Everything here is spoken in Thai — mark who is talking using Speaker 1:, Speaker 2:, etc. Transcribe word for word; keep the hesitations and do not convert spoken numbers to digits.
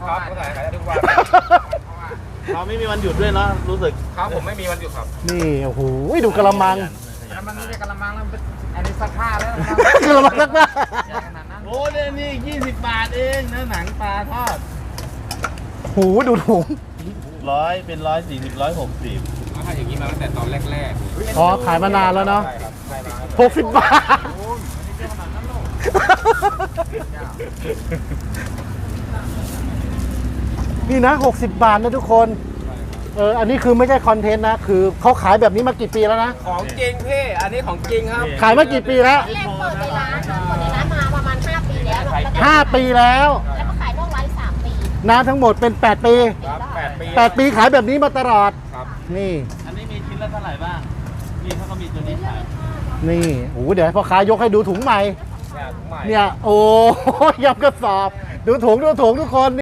Speaker 1: ครับขายขายทุกวัน
Speaker 2: เราไม่มีวันหยุดด้วยเนาะรู้สึก
Speaker 1: ครับผมไม่มีวันหยุดครับ
Speaker 3: นี่โอ้โหดูกระมัง
Speaker 1: แล้วมันไม่ใช่กะละมังแล้วอันนี้ซักผ้าแล้ว
Speaker 3: กระมังสักผ้า
Speaker 1: ขนาดนั้น
Speaker 2: โอ้เนี่ยนี่ยี่สิบบาทเองเนื้อหนังปลาทอด
Speaker 3: หูดูถุง
Speaker 2: ร้อยเป็นร้อยสี่สิบร้อยหกสิบ
Speaker 1: ถ้าอย่างนี้มาตั้งแต่ตอนแรกๆ
Speaker 3: อ๋อขายมานานแล้วเนาะ
Speaker 1: ใช่ครับใช่มา
Speaker 3: หกสิบบาท
Speaker 1: โอ้ยไม่ใช่ขนาดนั้นหรอก
Speaker 3: นี่นะหกสิบบาทนะทุกคนเอออันนี้คือไม่ใช่คอนเทนต์นะคือเขาขายแบบนี้มากี่ปีแล้วนะ
Speaker 1: ของจริงพี่อันนี้ของจริงครับ
Speaker 3: ขายมากี่ปีแล้ว
Speaker 4: แรกเปิดในร้านนะเปิดในร้านมาประมาณห้าปีแล้วแล้วก็
Speaker 3: ห้าปีแล้ว
Speaker 4: แล้วก็ขายนอกร้านสามปี
Speaker 3: นะทั้งหมดเป็นแปดปี
Speaker 1: ครับแปดปี
Speaker 3: แปดปีขายแบบนี้มาตลอด
Speaker 1: ครับ
Speaker 3: นี่
Speaker 2: อันนี้มีชิ้นละเท่าไหร่บ้างนี่เขาก็มีตัวนี้ขาย
Speaker 3: นี่โอ้โหเดี๋ยวให้พ่อค้ายกให้ดูถุงใหม่
Speaker 1: เนี่ยถุงใหม่
Speaker 3: เนี่ยโอ้ยยำกระสอบ ดูถุงดูถุงทุกคน